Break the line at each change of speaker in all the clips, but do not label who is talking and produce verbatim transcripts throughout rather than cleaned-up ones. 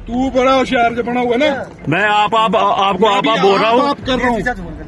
तू बड़ा होशियार जो बना हुआ है ना।
मैं आप आप आपको आप आप बोल रहा हूँ
आप कर रहा हूँ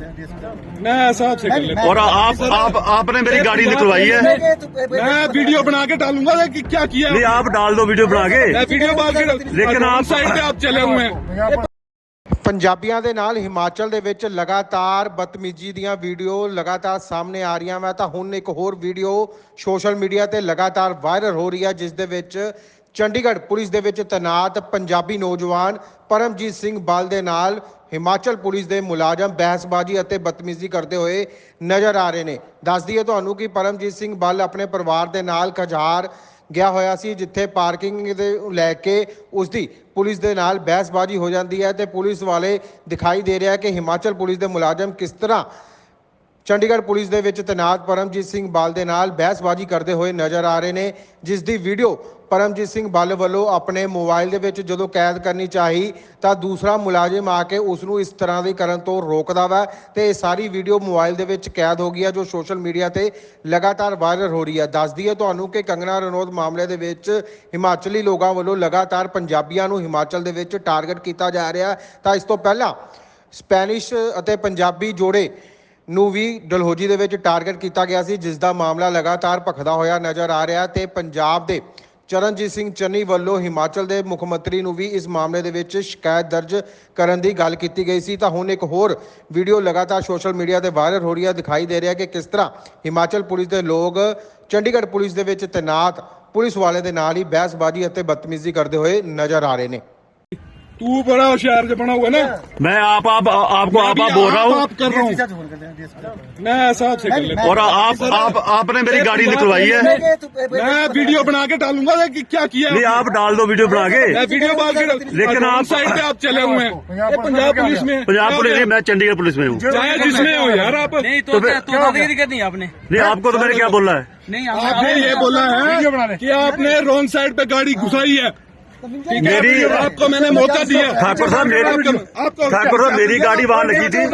मैं ऐसा आपसे कर लेता हूँ।
और आप आप आपने मेरी गाड़ी निकलवाई है।
मैं वीडियो बना के डालूंगा कि क्या किया।
नहीं आप डाल दो वीडियो बना के।
मैं वीडियो बना के
लेकिन आप
साइड पे आप चले हुए हैं।
ਪੰਜਾਬੀਆਂ ਦੇ ਨਾਲ ਹਿਮਾਚਲ ਦੇ ਵਿੱਚ ਲਗਾਤਾਰ ਬਦਤਮੀਜ਼ੀ ਦੀਆਂ ਵੀਡੀਓ ਲਗਾਤਾਰ ਸਾਹਮਣੇ ਆ ਰਹੀਆਂ। ਮੈਂ ਤਾਂ ਹੁਣ ਇੱਕ ਹੋਰ ਵੀਡੀਓ ਸੋਸ਼ਲ ਮੀਡੀਆ ਤੇ ਲਗਾਤਾਰ ਵਾਇਰਲ ਹੋ ਰਹੀ ਹੈ ਜਿਸ ਦੇ ਵਿੱਚ ਚੰਡੀਗੜ੍ਹ ਪੁਲਿਸ ਦੇ ਵਿੱਚ ਤੈਨਾਤ ਪੰਜਾਬੀ ਨੌਜਵਾਨ ਪਰਮਜੀਤ ਸਿੰਘ ਬਲ ਦੇ ਨਾਲ ਹਿਮਾਚਲ ਪੁਲਿਸ ਦੇ ਮੁਲਾਜ਼ਮ ਬਹਿਸਬਾਜ਼ੀ ਅਤੇ ਬਦਤਮੀਜ਼ੀ ਕਰਦੇ ਹੋਏ ਨਜ਼ਰ ਆ ਰਹੇ ਨੇ। ਦੱਸ ਦਈਏ ਤੁਹਾਨੂੰ ਕਿ ਪਰਮਜੀਤ ਸਿੰਘ ਬਲ ਆਪਣੇ ਪਰਿਵਾਰ ਦੇ ਨਾਲ ਖਜਾਰ ਗਿਆ ਹੋਇਆ ਸੀ ਜਿੱਥੇ ਪਾਰਕਿੰਗ ਦੇ ਲੈ ਕੇ ਉਸ ਦੀ ਪੁਲਿਸ ਦੇ ਨਾਲ ਬਹਿਸਬਾਜ਼ੀ ਹੋ ਜਾਂਦੀ ਹੈ ਤੇ ਪੁਲਿਸ ਵਾਲੇ ਦਿਖਾਈ ਦੇ ਰਿਹਾ ਕਿ ਹਿਮਾਚਲ ਪੁਲਿਸ ਦੇ ਮੁਲਾਜ਼ਮ ਕਿਸ ਤਰ੍ਹਾਂ ਚੰਡੀਗੜ੍ਹ ਪੁਲਿਸ ਦੇ ਵਿੱਚ ਤੈਨਾਤ ਪਰਮਜੀਤ ਸਿੰਘ ਬਲ ਦੇ ਨਾਲ ਬਹਿਸਬਾਜ਼ੀ ਕਰਦੇ ਹੋਏ ਨਜ਼ਰ ਆ ਰਹੇ ਨੇ ਜਿਸ ਦੀ ਵੀਡੀਓ ਪਰਮਜੀਤ ਸਿੰਘ ਬਲ ਵੱਲੋਂ ਆਪਣੇ ਮੋਬਾਈਲ ਦੇ ਵਿੱਚ ਜਦੋਂ ਕੈਦ ਕਰਨੀ ਚਾਹੀ ਤਾਂ ਦੂਸਰਾ ਮੁਲਾਜ਼ਮ ਆ ਕੇ ਉਸ ਨੂੰ ਇਸ ਤਰ੍ਹਾਂ ਦੀ ਕਰਨ ਤੋਂ ਰੋਕਦਾ ਵਾ ਤੇ ਇਹ ਸਾਰੀ ਵੀਡੀਓ ਮੋਬਾਈਲ ਦੇ ਵਿੱਚ ਕੈਦ ਹੋ ਗਈ ਹੈ ਜੋ ਸੋਸ਼ਲ ਮੀਡੀਆ ਤੇ ਲਗਾਤਾਰ ਵਾਇਰਲ ਹੋ ਰਹੀ ਹੈ। ਦੱਸਦੀ ਹੈ ਤੁਹਾਨੂੰ ਕਿ ਕੰਗਨਾ ਰਣੌਤ ਮਾਮਲੇ ਦੇ ਵਿੱਚ ਹਿਮਾਚਲੀ ਲੋਕਾਂ ਵੱਲੋਂ ਲਗਾਤਾਰ ਪੰਜਾਬੀਆਂ ਨੂੰ ਹਿਮਾਚਲ ਦੇ ਵਿੱਚ ਟਾਰਗੇਟ ਕੀਤਾ ਜਾ ਰਿਹਾ ਤਾਂ ਇਸ ਤੋਂ ਪਹਿਲਾਂ ਸਪੈਨਿਸ਼ ਅਤੇ ਪੰਜਾਬੀ ਜੋੜੇ ਨੂੰ ਵੀ ਡਲਹੌਜੀ ਦੇ ਵਿੱਚ ਟਾਰਗੇਟ ਕੀਤਾ ਗਿਆ ਸੀ ਜਿਸ ਦਾ ਮਾਮਲਾ ਲਗਾਤਾਰ ਭਖਦਾ ਹੋਇਆ ਨਜ਼ਰ ਆ ਰਿਹਾ ਤੇ ਪੰਜਾਬ ਦੇ ਚਰਨਜੀਤ ਸਿੰਘ ਚੰਨੀ ਵੱਲੋਂ ਹਿਮਾਚਲ ਦੇ ਮੁੱਖ ਮੰਤਰੀ ਨੂੰ ਵੀ ਇਸ ਮਾਮਲੇ ਦੇ ਵਿੱਚ ਸ਼ਿਕਾਇਤ ਦਰਜ ਕਰਨ ਦੀ ਗੱਲ ਕੀਤੀ ਗਈ ਸੀ ਤਾਂ ਹੁਣ ਇੱਕ ਹੋਰ ਵੀਡੀਓ ਲਗਾਤਾਰ ਸੋਸ਼ਲ ਮੀਡੀਆ ਤੇ ਵਾਇਰਲ ਹੋ ਰਹੀ ਹੈ। ਦਿਖਾਈ ਦੇ ਰਿਹਾ ਕਿ ਕਿਸ ਤਰ੍ਹਾਂ ਹਿਮਾਚਲ ਪੁਲਿਸ ਦੇ ਲੋਕ ਚੰਡੀਗੜ੍ਹ ਪੁਲਿਸ ਦੇ ਵਿੱਚ ਤੈਨਾਤ ਪੁਲਿਸ ਵਾਲੇ ਦੇ ਨਾਲ ਹੀ ਬਹਿਸਬਾਜ਼ੀ ਅਤੇ ਬਦਤਮੀਜ਼ੀ ਕਰਦੇ ਹੋਏ ਨਜ਼ਰ ਆ ਰਹੇ ਨੇ।
तू बड़ा होशियार जो बना हुआ है ना।
मैं आप आप आपको आप आप बोल रहा हूँ
आप कर रहा हूँ मैं ऐसा आपसे कर लेता हूँ।
और आप आप आपने मेरी गाड़ी निकलवाई है।
मैं वीडियो बना के डालूंगा कि क्या किया।
नहीं आप डाल दो वीडियो बना के।
मैं वीडियो बना के
लेकिन आप
साइड पे आप चले हुए हैं। पंजाब पुलिस में
पंजाब पुलिस में मैं चंडीगढ़ पुलिस में हूँ।
चाहे जिसमें हो यार आप।
नहीं तो दादागिरी करनी है आपने।
नहीं आपको तो मैंने क्या बोला है।
नहीं
आपने ये बोला है कि आपने रॉन्ग साइड पे गाड़ी घुसाई है।
मेरी
आपको मैंने मौका दिया।
ठाकुर साहब मेरी ठाकुर साहब मेरी गाड़ी वहाँ लगी थी।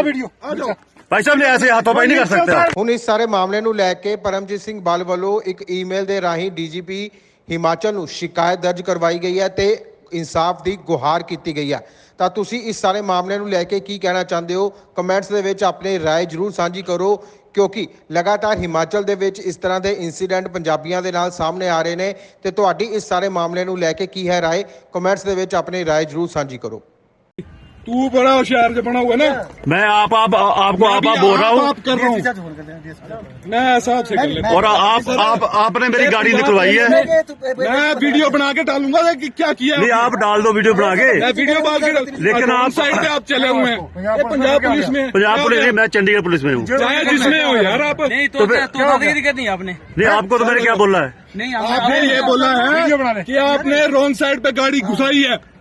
भाई साहब ने ऐसे हाथोंबाई नहीं कर सकते।
ਹੁਣ ਇਸ ਸਾਰੇ ਮਾਮਲੇ ਨੂੰ ਲੈ ਕੇ ਪਰਮਜੀਤ ਸਿੰਘ ਬਲ ਵੱਲੋਂ ਇੱਕ ਈਮੇਲ ਦੇ ਰਾਹੀਂ ਡੀਜੀਪੀ ਹਿਮਾਚਲ ਨੂੰ ਸ਼ਿਕਾਇਤ ਦਰਜ ਕਰਵਾਈ ਗਈ ਹੈ ਤੇ ਇਨਸਾਫ ਦੀ ਗੁਹਾਰ ਕੀਤੀ ਗਈ ਹੈ। ਤਾਂ ਤੁਸੀਂ ਇਸ ਸਾਰੇ ਮਾਮਲੇ ਨੂੰ ਲੈ ਕੇ ਕੀ ਕਹਿਣਾ ਚਾਹੁੰਦੇ ਹੋ ਕਮੈਂਟਸ ਦੇ ਵਿੱਚ ਆਪਣੀ ਰਾਏ ਜ਼ਰੂਰ ਸਾਂਝੀ ਕਰੋ ਕਿਉਂਕਿ ਲਗਾਤਾਰ ਹਿਮਾਚਲ ਦੇ ਵਿੱਚ ਇਸ ਤਰ੍ਹਾਂ ਦੇ ਇਨਸੀਡੈਂਟ ਪੰਜਾਬੀਆਂ ਦੇ ਨਾਲ ਸਾਹਮਣੇ ਆ ਰਹੇ ਨੇ ਤੇ ਤੁਹਾਡੀ ਇਸ ਸਾਰੇ ਮਾਮਲੇ ਨੂੰ ਲੈ ਕੇ ਕੀ ਹੈ ਰਾਏ ਕਮੈਂਟਸ ਦੇ ਵਿੱਚ ਆਪਣੀ ਰਾਏ ਜ਼ਰੂਰ ਸਾਂਝੀ ਕਰੋ।
तू बड़ा होशियार जो बना हुआ है ना।
मैं आप आप आपको आप आप बोल रहा हूँ
आप कर रहा हूँ मैं ऐसा आपसे कर लेता हूँ।
और आप आप आपने मेरी गाड़ी निकलवाई है।
मैं वीडियो बना के डालूंगा कि क्या किया।
नहीं आप डाल दो वीडियो बना के।
मैं वीडियो बना के
लेकिन आप
साइड पे आप चले हुए हैं। पंजाब पुलिस में
पंजाब पुलिस में मैं चंडीगढ़ पुलिस में हूँ।
चाहे जिसमें हो यार आप।
नहीं तो दादागिरी करनी है आपने।
नहीं आपको तो मैंने क्या बोला है।
नहीं
आपने ये बोला है कि आपने रॉन्ग साइड पे गाड़ी घुसाई है।